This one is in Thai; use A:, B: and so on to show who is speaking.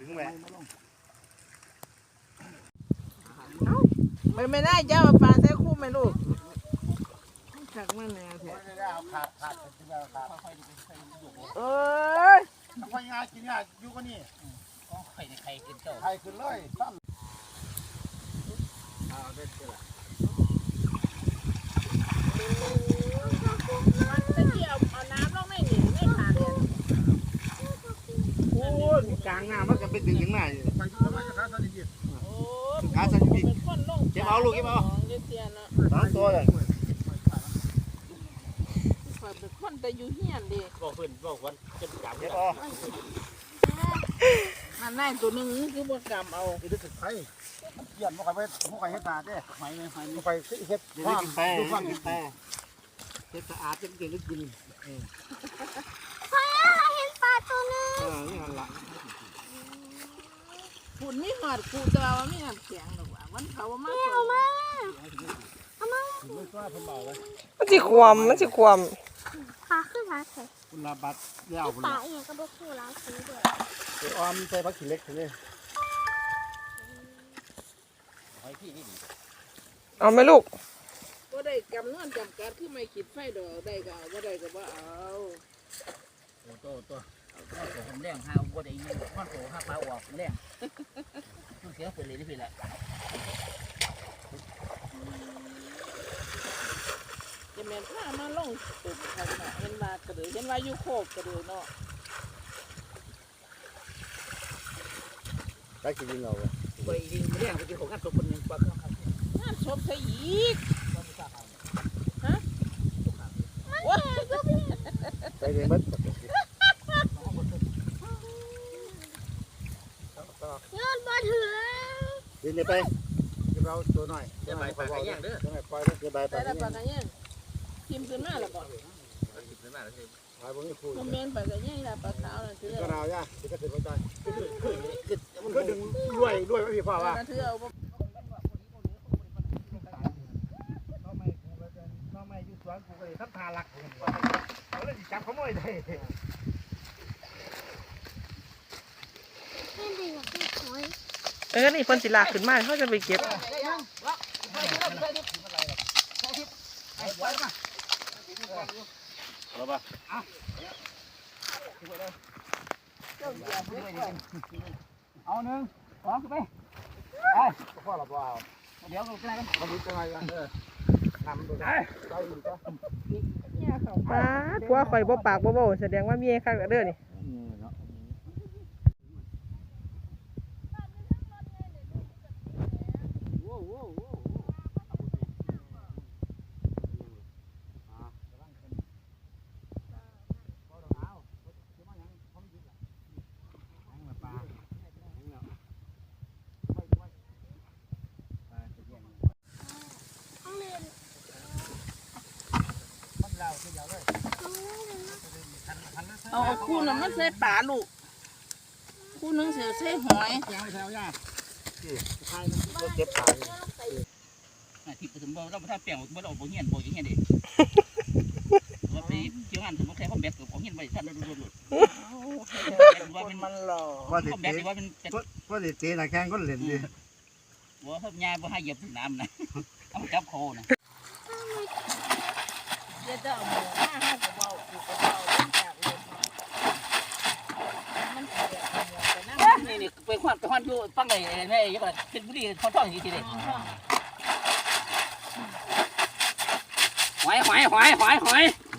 A: ถึงแหละ
B: ไม่ได้เจ้าปลาแท้คู่ไหมลูกขักมันแนวแท้เอ้ย
A: ค่อยงานกินงานอยู่กันนี่
C: ไข่ในไข่กินเจ้า
A: ไข่ขึ้นเลยตั้มโอ้ยกลางหน้ามันก็เป็นดึงยังไงขาสั่นจริงเก็บเอาลูกเก็บเอาสามตัวเลย
B: เป็นคนแต่อยู่เฮียนดิ
C: บอกเพื่อนบอกวันจะจับ
A: เก็บเอา
B: มันได้ตัวหนึ่งคือบกรรมเอา
A: อีกตึกไข่เยี่ยมบ่ใครไปบ่ใครเฮ็ดนาเด้ไม่ไปเฮ็ดดูฟังกินแต่เฮ็ดสะอาดจังเก่งก็กิน
D: เห็นปลาตัวนึง
A: นี่หันละ
B: ฝุ่นไม่หอดกูจะว่าไม่น้ำแข็งหรอกว่ามันเขาว่ามา
D: เอามาเอามา
A: ไม่กล้าเพิ่นเบาเลย
E: มันสิความ
D: ปลาขึ้นร้านใส่
A: คุณลาบัดยาวพุ่น
D: ปลา
A: ละ
D: เองก็บอกคู่ร้านซื้อด้วย
A: ไปออมใส่ผักขี้เล็กนี่
C: ไอ้พี่นี่
E: เอาไหมลูก
B: ก็ได้กำนวนจำกัดคือไม่คิดไฟดอกได้ก็เอาบ่ได้ก็บ่เอา
C: ตัวผมแรงห้าวัวได้ยินข้อนโผล่ห้าปลาออกแรงต้องเสียเป็นเลยได้พี่แหละ
B: จะแม่นผ้ามาลงตุ่มเขาเนาะเห็นว่ากระเดือเห็นว่าอยู่โคกกระเดือเนาะ
A: ได้กินยิงเอา
C: ไปยิงแรงไปกินของกันตัวคนหนึ่งปลาเครื่องครับ
B: งานศพใส่อีกฮะว้า
A: ไปเรียนบัด
D: ยอดบอถือ
A: เรียนไปเก็บเอาตัวหน่อย
C: จะไปปลาแย่งเด้อ
A: จะปล่อยจะใบไป
B: ได้แล้วปากกันยังทิมขึ้นมาแล้วบ่
C: ติดเลยมากเลย
A: ปล่อยบ่มีคู่
B: คอมเมนต์ปากกันยังล่ะปลาขาวนั่นถือ
A: ก็ดาวย่าก็ถึงบ่ได้
C: มัน
A: ก็ดึงด้วยไม่พี่พ่อว่า
B: ถือเอาบ่
A: น้องไม่อยู่สวนกูก็เลยทับทาลักเขาเลยจับขโมยได้
D: แม่ดีอยากกินหอย
E: นี่เพิ่นสิลากขึ้นมาเขาจะไปเก็บ
A: เอาป่ะเอาหนึ่งสองไปไปพ่อเราเอาเดี๋ยวก็ได้กันมาดูจังไงกันทำดูได้ใจดีจ้ะ
E: ป้าตัวข่อยบ่ปากบ่เว้าแสดงว่ามีคักเด้อนี่
D: ต้องเรียน
B: เอาคู่น่ะมันใส่ปลาลูกคู่นึงสิใส่หอย
A: แถวแถวย่าใช่รถเก็บขาย
C: ที่ผสมบ่เราไม่ทำเปลี่ยนบ่เราบ่เงี้ยบ่อย่างเงี้ยดิว่าไปเกี่ยวงานสมมติใครเขาแบบของเงี้ยไปท่านดูดูว่าเป็น
B: มันหล่อ
A: ว่าเด็
C: เขาแบบว่าเป็น
A: ว่าเด็กเตะนักแข่งก็เล่นดิ
C: ว่าเขายายว่าให้เหยียบน้ำนะเอาจับโคนะ
B: เดี๋ยวจะเอาหมูมาให้ก็เว้ากูก็เว้าเรื่องจากเลยมันสิแบบเอาหมูไปนำ
C: นี่ไปควันอยู่ฟังไอ้แม่ยังไงเป็นบุรีเขาท่องอย่างนี้ทีเดียวหอย